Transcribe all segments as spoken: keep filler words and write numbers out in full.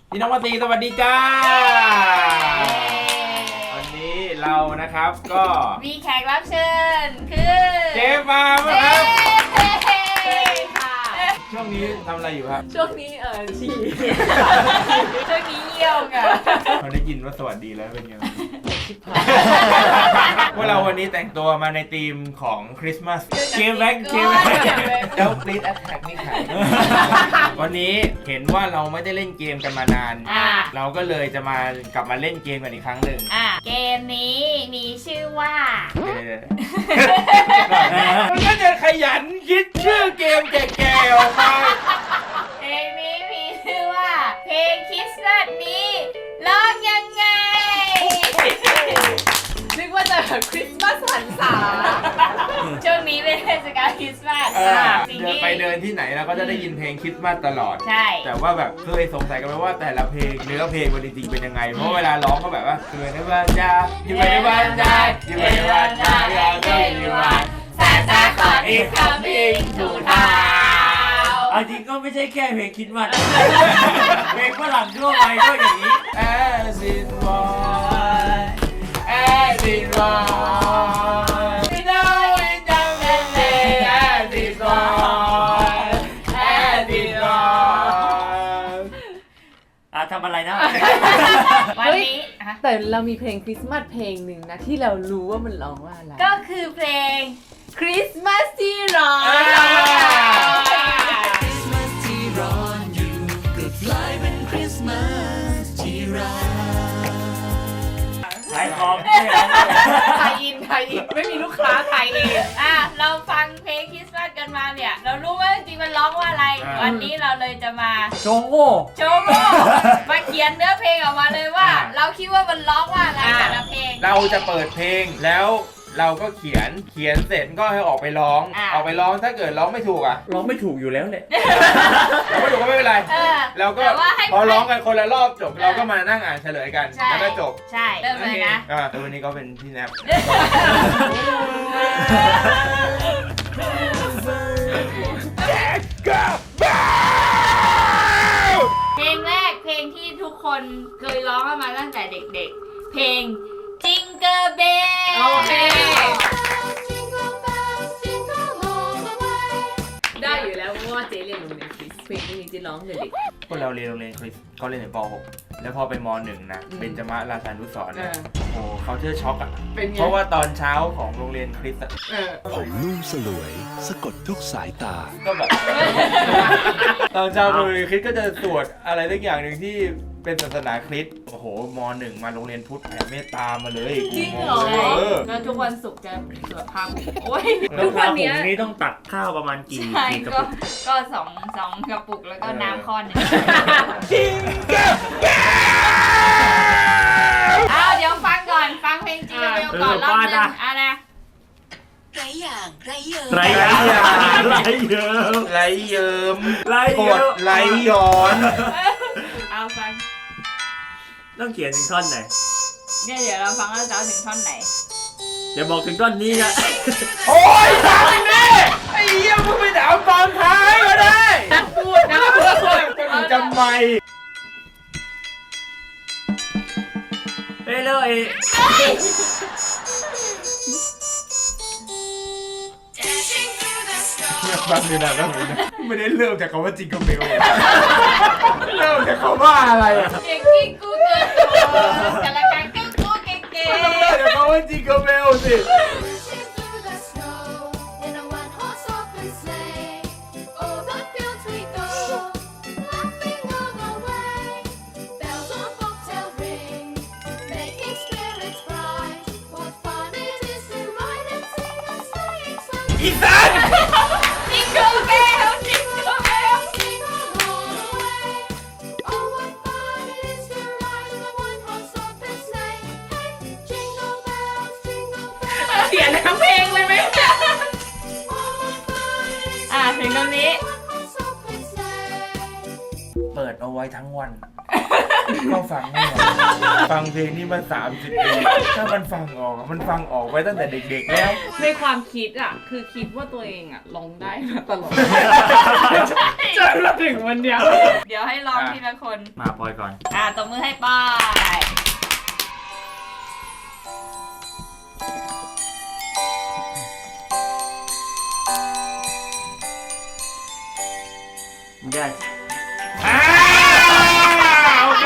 พี่น้องมาตีสวัสดีจ้าวันนี้เรานะครับก็มีแขกรับเชิญคือเจฟมาร์มครับค่ะช่วงนี้ทำอะไรอยู่ครับช่วงนี้เออฉี่ช่วงนี้เยี่ยวกันเราได้ยินว่าสวัสดีแล้วเป็นยังไงพวกเราวันนี้แต่งตัวมาในธีมของคริสต์มาสเกมแบ็กเกมแบ็กเจ้าปรีดแอทแทกนี่ค่ะวันนี้เห็นว่าเราไม่ได้เล่นเกมกันมานานเราก็เลยจะมากลับมาเล่นเกมกันอีกครั้งหนึ่งเกมนี้มีชื่อว่ามันก็จะขยันคิดชื่อเกมแก่ๆออกมาเกมนี้มีชื่อว่าเพลงคริสต์มาสนี้ร้องยังไงนึกว่าจะแบบคริสต์มาสหันษาช่วงนี้เป็นเทศกาลคริสต์มาสเดินไปเดินที่ไหนเราก็จะได้ยินเพลงคริสต์มาสตลอดใช่แต่ว่าแบบเคยสงสัยกันไหมว่าแต่ละเพลงเนื้อเพลงมันจริงๆเป็นยังไงเพราะเวลาร้องก็แบบว่าอยู่ในบ้านจ้าอยู่ในบ้านจ้าอยู่ในบ้านจ้าเราก็อยู่บ้านซาซาคอนอีกคัมมิ่งทูทาวน์จริงก็ไม่ใช่แค่เพลงคิดว่าเพลงฝรั่งทั่วไปก็อย่างนี้ As it was As it was We know it doesn't say As it was As it was อ่ะทำอะไรนะวันนี้แต่เรามีเพลงคริสต์มาสเพลงหนึ่งนะที่เรารู้ว่ามันร้องว่าอะไรก็คือเพลงคริสต์มาสที่ร้อนคริสต์มาสที่ร้อนอยู่ก็กลายเป็นคริสต์มาสที่รักขายของไทยอินไทยอินไม่มีลูกค้าไทยเองอ่ะเราฟังเพลงคริสต์มาสกันมาเนี่ยเรารู้ว่าจริงๆมันร้องว่าอะไรวันนี้เราเลยจะมาโชว์โง่โชว์โง่มาเขียนเนื้อเพลงออกมาเลยว่าเราคิดว่ามันร้องว่าอะไรแต่ละเพลงเราจะเปิดเพลงแล้วเราก็เขียนเขียนเสร็จก็ให้ออกไปร้องออกไปร้องถ้าเกิดร้องไม่ถูกอ่ะร้องไม่ถูกอยู่แล้วเนี่ยร้องไม่ถูกก็ไม่เป็นไรเราก็พอร้องกันคนละรอบจบเราก็มานั่งอ่านเฉลยกันแล้วก็จบใช่เริ่มเลยนะอ่าตัวนี้ก็เป็นพี่แนบเพลงแรกเพลงที่ทุกคนเคยร้องมาตั้งแต่เด็กๆเพลงJingle Bell โอเคได้อยู่แล้วเพราะว่าเจ๊เรียนโรงเรียนคริสเพลงนี้เจ๊ร้องเลยเด็กพวกเราเรียนโรงเรียนคริสก็เรียนในป หกแล้วพอไปม หนึ่งนะเบญจมาศราชานุสรณ์โอ้โหเขาเชื่อช็อกอ่ะเพราะว่าตอนเช้าของโรงเรียนคริสอ่ะผมนุ่มสลวยสะกดทุกสายตาก็แบบตอนเช้าโรงเรียนคริสก็จะสวดอะไรสักอย่างหนึ่งที่เป็นศาสนาคริสต์โอ้โหม หนึ่งมาโรงเรียนพุทธแผ่เมตตามาเลยจริงเหรอแล้วทุกวันศุกร์จะสวดพระโอ้ยทุกวันนี้นี้ต้องตักข้าวประมาณกี่กี่กระปุกก็สองสองกระปุกแล้วก็น้ำข้อนนึงจริงเอาเดี๋ยวฟังก่อนฟังเพลงจริงกันก่อนรอบนึงอ่ะนะไรอย่างไรเยิมไรอย่างไรเยิมไรเยิมไรกดไรย้อนเอาฟังต้องเขียนถึงท่อนไหนเนี่ยเดี๋ยวเราฟังแล้วจะเอาถึงท่อนไหนอย่าบอกถึงท่อนนี้นะโอ้ยฟังแน่ไอ้เหี้ยมึงไปถามตอนท้ายก็ได้นักพูดนักพูดคนจำไม่เฮ้ยเลยบางทีนะบางทีนะไม่ได้เริ่มจากคำว่าจิงเกิลเบลเริ่มจากคำว่าอะไรอ่ะเก่งที่กูเกิดแต่ละการก็กูเก่งๆไม่ต้องเริ่มจากคำว่าจิงเกิลเบลสิอีสานจิงเกิลเบลจิงเกิลเบลเขียนทั้งเพลงเลยไหมอ่ะถึงตรงนี้เปิดเอาไว้ทั้งวันก็ฟังไม่ออกฟังเพลงนี้มาสามสิบปีถ้ามันฟังออกมันฟังออกไว้ตั้งแต่เด็กๆแล้วในความคิดอ่ะ คือคิดว่าตัวเองอ่ะร้องได้มาตลอดจนมาถึงวันเนี้ยเดี๋ยวให้ลองทีละคนมาปอยก่อนอ่ะตบมือให้ป้ายได้อ่าโอเค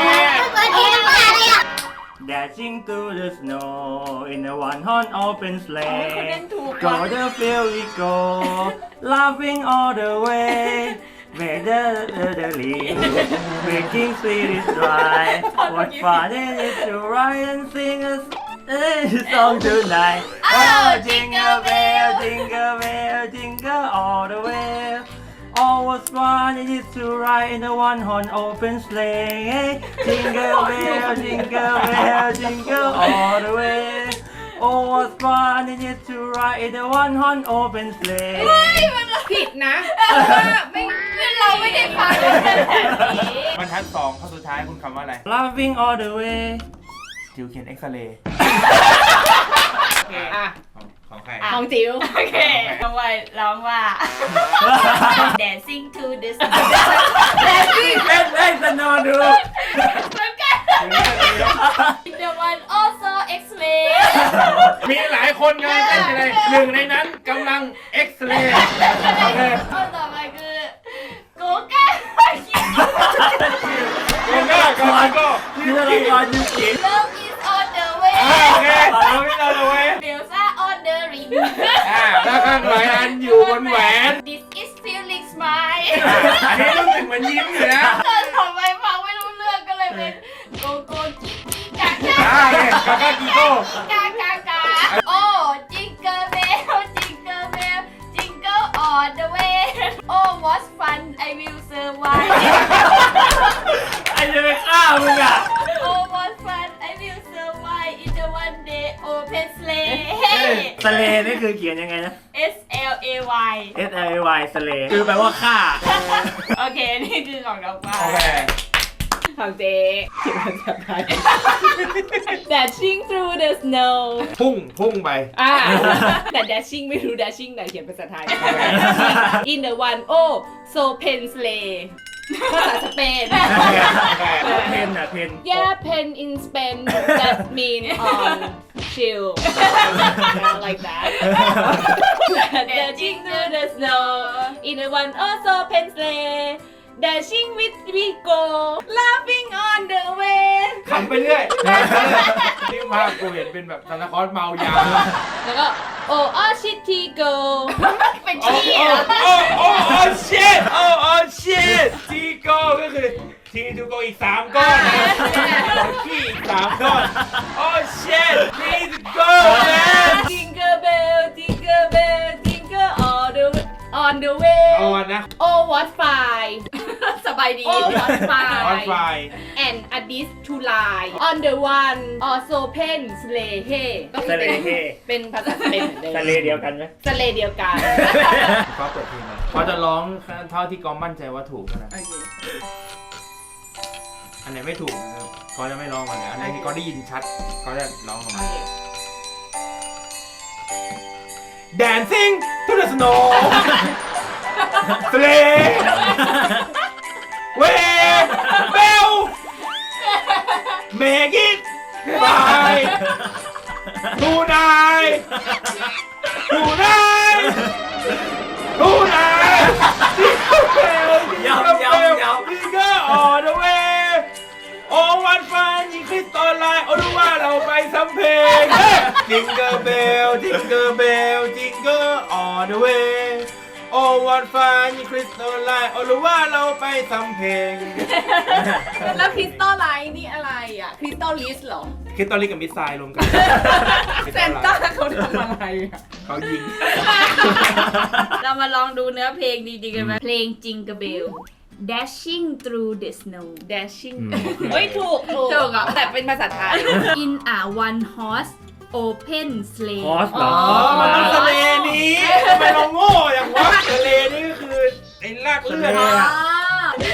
Dashing through the snow in a one horn open คนเล่น sleigh. ถูก Go the field we go, laughing all the way. Where the the the leaves, making sweet is dry. What fun it is to ride and sing a s- a song tonight. Oh, jingle bell, jingle bell, jingle all the way. Oh, what fun it is to ride in a one-horn open sleigh. Jingle bell, jingle bell, jingle all the way. Oh, what fun it is to ride in a one-horn open sleigh. ผิดนะเพราะว่าไม่เราไม่ได้ฟังกันแบบนี้บรรทัดสองข้อสุดท้ายคุณคำว่าอะไร Laughing all the way. จิวเขียนเอ็กซเรย์อ่ะของของใครของจิ๋วโอเคร้องว่าร้องว่า dancing to the sun เล่นเล่นสนอดูเหมือนกัน the one also X-ray มีหลายคนกำลังเต้นอยู่เลยหนึ่งในนั้นกำลังเอ็กซเรย์โอเคข้อต่อไปคือโกก้าโอเคก่อนก็นี่เราละครยูกิ love is on the way อ่าโอเคเอาที่เราเลยเว้ยเบลซ่า on the ring อ่าแล้วข้างหลังอันอยู่บนแหวน this is feeling smile อันนี้รู้สึกเหมือนยิ้มอยู่นะตอนทำไมฟังไม่รู้เรื่องก็เลยเป็นโกโก้กิ๊กกิ๊กกากาอ่าเนี่ยกาก้ากิโก้กากากาโอ้จิงเกอร์เบลจิงเกอร์เบลจิงเกอร์ on the way โอ้ what fun I will survive ไอ้จะไปฆ่ามึงอ่ะ oh what fun I will survive in the one day open sleigh สเลนี่คือเขียนยังไงนะ S L A Y S L A Y สเลคือแปลว่าฆ่าโอเค นี่คือของดอกไม้โอเคของเจ๊เขียนภาษาไทย Dashing through the snow พุ่งพุ่งไปอ่าแต่ dashing ไม่รู้ dashing ไหนเขียนภาษาไทย in the one oh so pen sleigh ภาษาสเปนเพนอ่ะเพน yeah pen in Spain that mean on chill like that dashing through the snow in the one oh so pen sleigh dashing with we go laughing on the way ขำไปเรื่อยนี่ภาพกูเห็นเป็นแบบซานตาคลอสเมายาแล้วก็ oh oh shitty go เป็นโอ้ชี้โอ้เหรอโอ้โอ้โอ้ shit โอ้โอ้ shit ทีโก้ก็คือทีทูโกอีกสามก้อนนะขี้อีกสามก้อนโอ้ shit need to go man jingle bell jingle bell jingle all the on the way อ่อนนะ oh what fine สบายดี oh what ออนไฟ fine and a dish to lie on the one also pen sleigh hey ก็คือเป็น sleigh เป็นภาษาสเปนเหมือนเดิมสเลเดียวกันไหมสเลเดียวกันก็เปิดเพลงมาเขาจะร้องเท่าที่กอมมั่นใจว่าถูกนะโอเคอันไหนไม่ถูกนะครับเขาจะไม่ร้องมาเลยอันไหนที่เขาได้ยินชัดเขาจะร้องออกมา Dancing to the snow Sleigh Way Bell Make it Fly Tonight Tonight Tonight Jingle bell Jingle bell Jingle all the way โอ้วันฟ้ายิงคริสตอลไลน์โอ้รู้ว่าเราไปสำเพลงจิงเกอร์เบลจิงเกอร์เบลจิงเกอร์ออเดอะเวย์โอ้วันฟ้ายิงคริสตอลไลน์โอ้รู้ว่าเราไปสำเพลงแล้วคริสตัลไลท์นี่อะไรอ่ะคริสตัลลิสเหรอคริสตอลลิกกับมิสไซล์รวมกันเซนต้าเขาทำอะไรอ่ะเขายิงเรามาลองดูเนื้อเพลงดีๆกันไหมเพลงจิงเกอร์เบล dashing through the snow dashing อืมเฮ้ยถูกถูกถูกอ่ะแต่เป็นภาษาไทย in a one horse open sleigh ฮอสเหรออ๋อมันต้องทะเลนี้ทำไมเราโง่อย่างวะทะเลนี่ก็คือไอ้ลากเลือดอ๋อเนี่ย X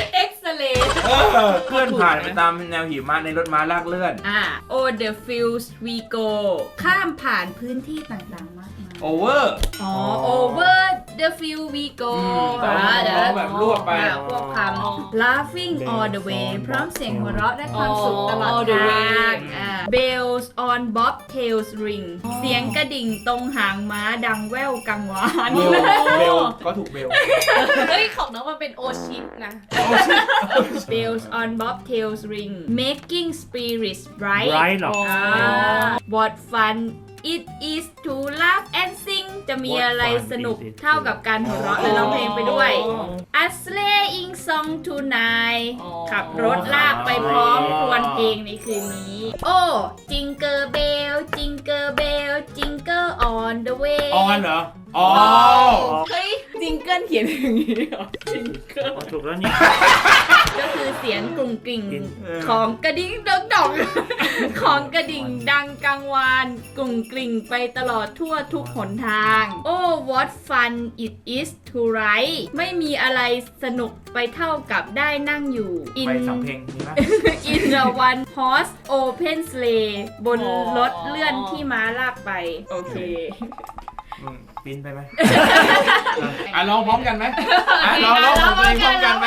เลเออเคลื่อนผ่านไปตามแนวหิมะในรถม้าลากเลื่อนอ่า Oh the fields we go ข้ามผ่านพื้นที่ต่างๆมากมายโอเวอร์อ๋อ over the field we go อืมอ่าเดี๋ยวแบบรวบไปอ่าพวกคำ laughing all the way พร้อมเสียงหัวเราะและความสุขตลอด All the ท way างอ่า bells on bobtails ring เสียงกระดิ่งตรงหางม้าดังแว่วกังวานเบลเบลก็ถูกเบลเฮ้ย ของน้องมันเป็นโอชิปนะ bells on bobtails ring making spirits bright ไรหรออ่า what fun it is to laugh and sing จะมี What อะไร fun สนุก is it เท่ากับการหัวเราะและร้องเพลงไปด้วย A sleighing song tonight อ๋อขับรถลากไปพร้อมครวญเพลงในคืนนี้ โอ้ Jingle bell Jingle bell Jingle on the way ออนเหรอ อ๋อเฮ้ยจิงเกิลเขียนอย่างนี้เหรอจิงเกิลถูกแล้วนี่ก็คือเสียงกรุงกริ่งเออของกระดิ่งดองดองของกระดิ่งดังกังวานกรุงกริ่งไปตลอดทั่วทุกหนทาง โอ้ what fun it is to ride ไม่มีอะไรสนุกไปเท่ากับได้นั่งอยู่ in ไปสำเพลงมีไหม in the one horse open sleigh บนรถเลื่อนที่ม้าลากไป โอเคอืมปิ้นไปไหม อ่ะลองพร้อมกันไหมอ่ะลองลองของตัวเองพร้อมกันไหม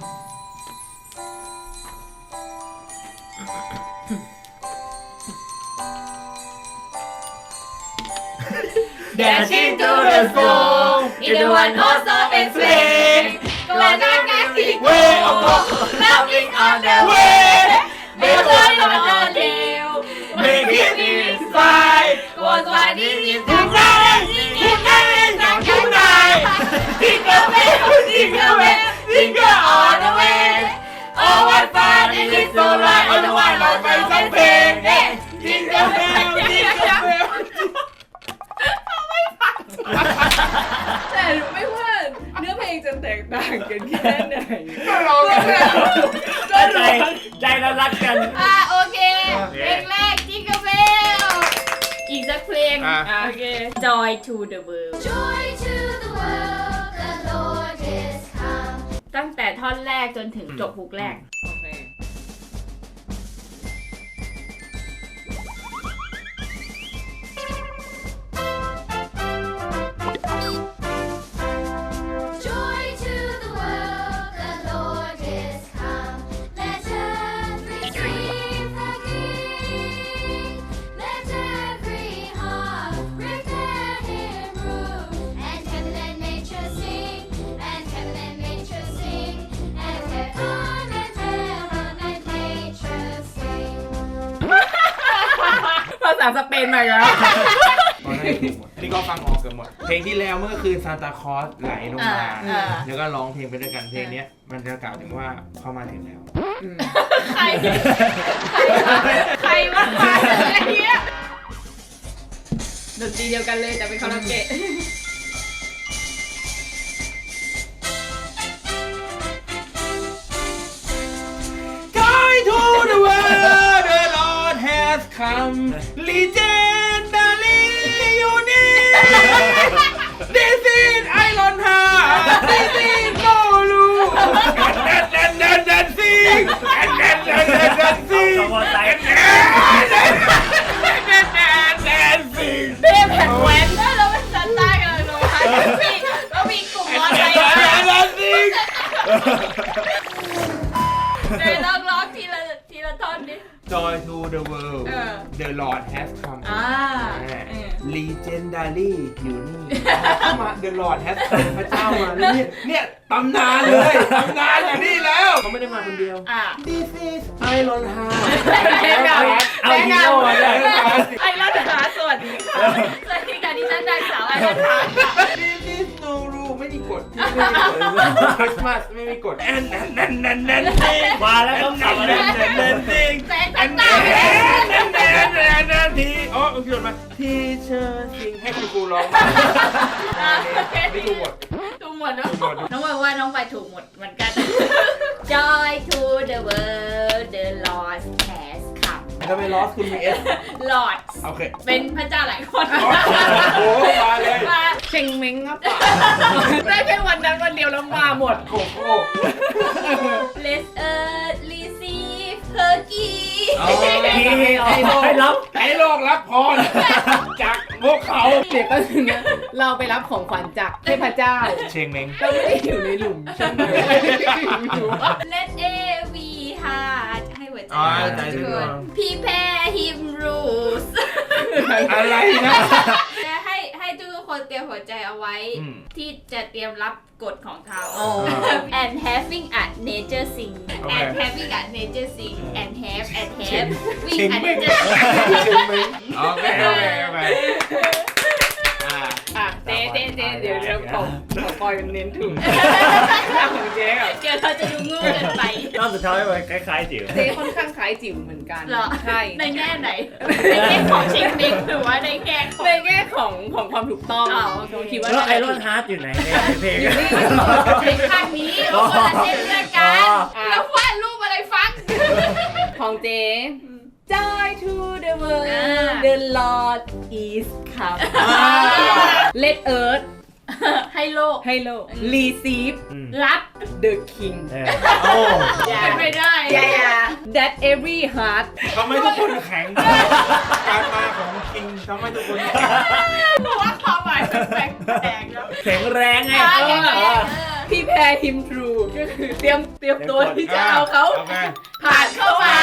Dashing to the school in the one horse open sleigh. Go on the way of laughing on the way. Bells on the tail, making it fly. Go on the tonight, tonight, tonight. Jingle bell, jingle bell, jingle all the way. Oh, what fun it is to ride on the one horse open sleigh. Jingle bell, jingle bell. แต่ไม่ว่าเนื้อเพลงจะแตกต่างกันแค่ไหนก็ลองกันเลยใจใจเรารักกันอ่ะโอเคโอเคเพลงแรกจิงเกิลเบลอีกสักเพลงอ่ะอ่ะโอเค Joy to the world Joy to the world, the Lord is come. ตั้งแต่ท่อนแรกจนถึงจบฮุกแรกโอเค Joy to the world, the Lord is come. Let earth receive her King. Let every heart prepare Him room. And heaven and nature sing, and heaven and nature sing, and heaven and heaven and nature sing. ภาษาสเปนมาแล้วตอนนั้นถูกหมดอันนี้ก็ฟังออกเกือบหมด เพลงที่แล้วเมื่อคืนซานตาคลอสไหลลงมาอ่าแล้วก็ร้องเพลงไปด้วยกันเพลงเนี้ยมันจะกล่าวถึงว่าเข้ามาถึงแล้วใคร ใครวะใครวะอะไรเงี้ยดนตรีเดียวกันเลยแต่เป็นคาราโอเกะ Joy to the world, the Lord has come. Legendary unique. This is Iron Heart. This is Bolu. And then, then, then, sing. And then, then, then, then, sing. ขบวนไต And then, then, then, then, sing. เบ้แผ่นแหวนแล้วเราเป็นซันต้ากันเลยนะคะพี่เรามีกลุ่มมอ And ไซ then, ค์ then, then, sing. ในร้องร้องทีละทีละท่อนดิ Joy to the world, เออ the Lord has come. อ่า Legendary อยู่นี่เข้ามา The Lord has come พระเจ้ามาเนี่ยเนี่ยตำนานเลยตำนานอยู่นี่แล้วเขาไม่ได้มาคนเดียวอ่า This is Iron Heart เอาฮีโร่มาด้วยไอ้รัฐาสวัสดีค่ะสวัสดีค่ะดิฉันนางสาวไอ้รัฐา This is no rule ไม่มีกฎที่ไม่มีกฎ Christmas ไม่มีกฎ and and and and and sing มาแล้วเขาขับมาแล้ว and and sing แสงซันต้า and and and and and ทีอ๋อคุณมา Teacher sing ให้คุณครูร้องไม่ถูกหมดถูกหมดเนอะน้องว่าว่าน้องไปถูกหมดเหมือนกัน Joy to the world the Lord has come ทำไมลอสคุณมี S Lord โอเคเป็นพระเจ้าหลายคนโอ้โหมาเลยมาเชงเม้งครับป่ะได้แค่วันนั้นวันเดียวแล้วมาหมดโกโก้ Let's earth receive Turkey ให้รับให้โลกรับพรจากพวกเขาเดี๋ยวก็ถึงนะเราไปรับของขวัญจากเทพเจ้าเชงเม้งก็ไม่ได้อยู่ในหลุมใช่ไหม Let every heart ให้หัวใจอ๋อใจด้วย Prepare him rules อะไรนะจะให้ให้ทุกคนเตรียมหัวใจเอาไว้อืมที่จะเตรียมรับกฎของเขาอ๋อ and having a nature sing โอเค and having a nature sing and have and เชง have เช wing ง a เม้ง nature sing เชงเม้งโอเคโอเคโอเคอ่าอ่ะเจ๊เจ๊เจ๊เดี๋ยวเดี๋ยวขอขอปล่อยเน้นถูกของเจ๊อ่ะเดี๋ยวเราจะดูโง่เกินไปรอบสุดท้ายมันคล้ายๆจิ๋วเจ๊ค่อนข้างคล้ายจิ๋วเหมือนกันเหรอใช่ในแง่ไหน ในแง่ของเช็คเมกหรือว่าในแง่ของในแง่ของของความถูกต้องอ๋อผมคิดว่าแล้วไอรอนฮาร์ดอยู่ไหนในเพลงอยู่นี่ในข้างนี้เราคนละเส้นเลือดกันอ๋อแล้ววาดรูปอะไรฟังของเจ๊ Joy to the world อ่า the Lord is come Let earth ให้โลกให้โลก receive รับ the king โอ้เป็นไปได้ yeah that every heart ทำไมทุกคนแข็งการมาของคิงทำไมทุกคนแข็งเพราะว่าความหมายมันแปลกๆแล้วแข็งแรงไงอ่าแข็งแรงเออ prepare him through ก็คือเตรียมเตรียมตัวที่จะเอาเขาโอเคผ่านเข้ามา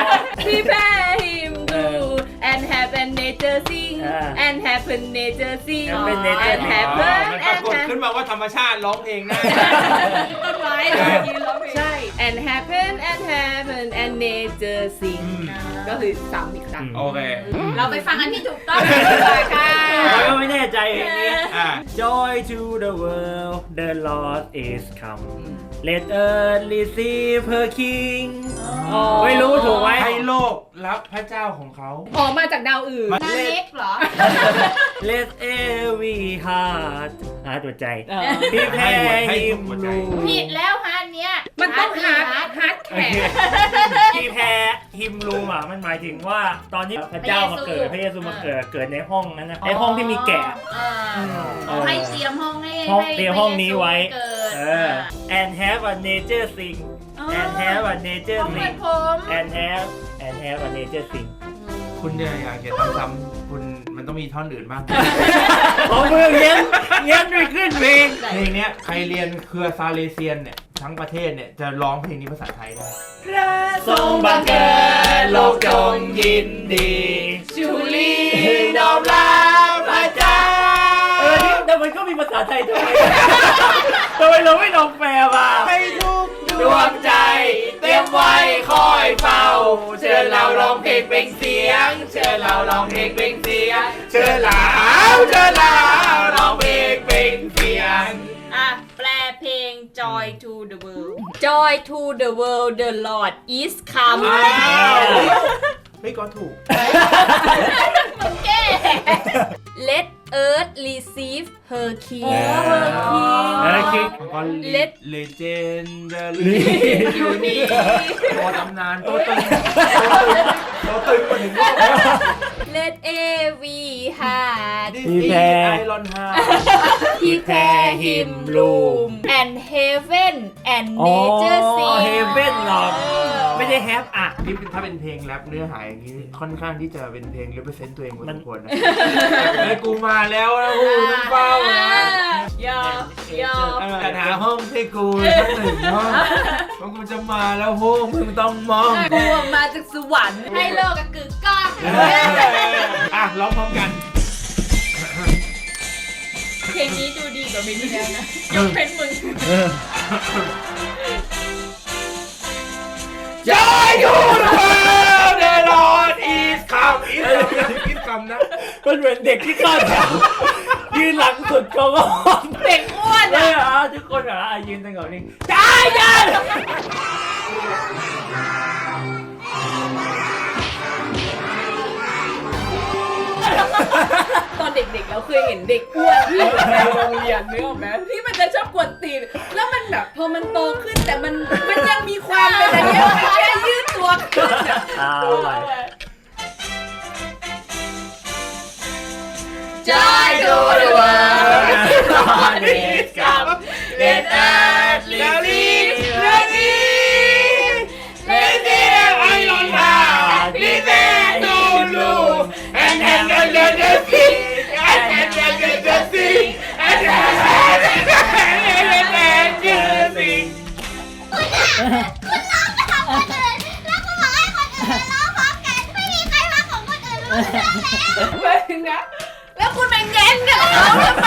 prepare him through and have a nature sing อ่า and have a nature sing Have a nature and sing have อ๋อ a มันปรากฏขึ้นมาว่าธรรมชาติร้องเพลงได้ต้นไม้ยืนร้องเพลงใช่ and happen and happen and nature sing อืมก็คือซ้ำอีกครั้งโอเคเราไปฟังอันที่ถูกต้องกันดีกว่าค่ะเราก็ไม่แน่ใจเพลงนี้อ่า Joy to the world the Lord is come Let earth receive her king อ๋อไม่รู้ถูกไหมให้โลกรับพระเจ้าของเขาออกมาจากดาวอื่นหน้าเล็กเหรอ Let every heart หาตัวใจเออ Prepare ให้ him หัวใจผิดแล้วฮะอันเนี้ยมันต้องฮาร์ดฮาร์ดฮาร์ดโอแข็งเค Prepare him room อ่ะมันหมายถึงว่าตอนที่พระเจ้ามาเกิดพระเยซูมาเกิดเกิดในห้องนั้นนะในห้องที่มีแกะเออเอาให้เตรียมห้องให้ห้องให้เตรียมห้องนี้ไว้เกิดเออ and have a nature sing อ๋อ and have a nature ห้องเปิ sing ดผม and have and have a nature sing คุณเนี่ยอยากจะทำซ้ำคุณมันต้องมีท่อนอื่นบ้างผมมือเงี้ยเงี้ยไม่ขึ้นเพลงเพลงเนี้ยใครเรียนเครือซาเลเซียนเนี่ยทั้งประเทศเนี่ยจะร้องเพลงนี้ภาษาไทยได้ทรงบังเกิดโลกจงยินดีชูลีน้อมรับพระเจ้าเออนี่แต่มันก็มีภาษาไทยด้วยทำไมเราไม่ลองแปลมาให้ทุกดวงใจเตรียมไว้คอยเฝ้าเชิญเราร้องเพลงเป็นเสียงเชิญเราร้องเพลงเป็นเสียงเชิญเราเชิญเราร้องเพลงเป็นเสียงอ่ะ แปลเพลง Joy to the world Joy to the world the Lord is come อ้าวไม่ก็ถูกมึงแก้ Let earth receive her king her king แล้วก็ Let เลเจนเดอรี่อยู่นี่ตัวตำนานตัวตึงตัวตึงมาถึง Let every heart ดิสนีย์ไอรอนฮาร์ prepare him room and heaven and อ๋อ nature sing เฮเว่นหรอกไม่ได้แฮปอ่ะนี่ถ้าเป็นเพลงแรปเนื้อหาอย่างนี้ค่อนข้างที่จะเป็นเพลง represent ตัวเองพอสมควรนะไอ้กูมาแล้วนะกูต้องเฝ้านะยอมยอมแต่หาห้องให้กูสักหนึ่งห้องเพราะกูจะมาแล้วพวกมึงต้องมองกลัวมาจากสวรรค์ให้โลกกับกึกก้องอ่ะร้องพร้อมกันเพลงนี้ดูดีกว่าเพลงที่แล้วนะยกเป็นมึง Joy to the world the Lord is come is come นะมันเหมือนเด็กที่ก้อนแถวยืนหลังสุดก็งงเด็กอ้วนเลยเหรอทุกคนเหรออ่ะยืนตั้งแต่นี้ใช่ยันตอนเด็กๆเราเคยเห็นเด็กอ้วนที่อยู่ในโรงเรียนนึกออกไหมที่มันจะชอบกวนตีนแล้วมันแบบพอมันโตขึ้นแต่มันมันยังมีความเป็นอะไรเงี้ยมันแค่ยืดตัวขึ้นอะเอาไป Joy to the world เพิ่งนะ แล้วคุณเป็นเย็นกับเขาทำไม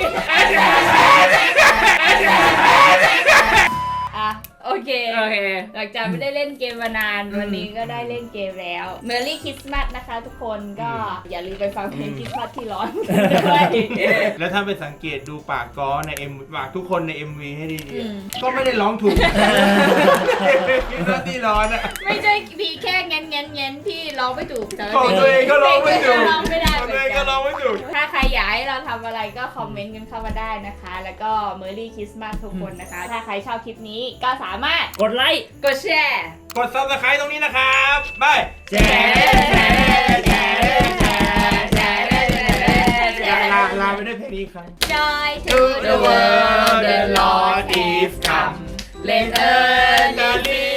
อ่ะโอเคโอเคหลังจากไม่ได้เล่นเกมมานานวันนี้ก็ได้เล่นเกมแล้ว Merry Christmas นะคะทุกคนก็อย่าลืมไปฟังเพลงคริสต์มาสที่ร้อนด้วยแล้วถ้าไปสังเกตดูปากก้อใน M ปากทุกคนใน เอ็ม วี ให้ดีอืมๆก็ไม่ได้ร้องถูกคิดว่าที่ร้อนอะไม่ใช่พี่แค่เง้นเง้นเง้นพี่ร้องไม่ถูกแต่ของตัวเองก็ร้องไม่ถูกร้องไม่ได้ของเหมืตัวอเองนก็กันร้องไม่ถูกถ้าใครอยากให้เราทำอะไรก็คอมเมนต์กันเข้ามาได้นะคะ แล้วก็ Merry Christmas ทุกคนนะคะ ถ้าใครชอบคลิปนี้ก็สามารถกดไลค์กดแชร์กด Subscribe ตรงนี้นะครับบายแชร์แชร์แชร์แชร์แชร์แชร์ลาลาไปด้วยเพลงนี้ครับ Joy To the world the Lord is come Let earth the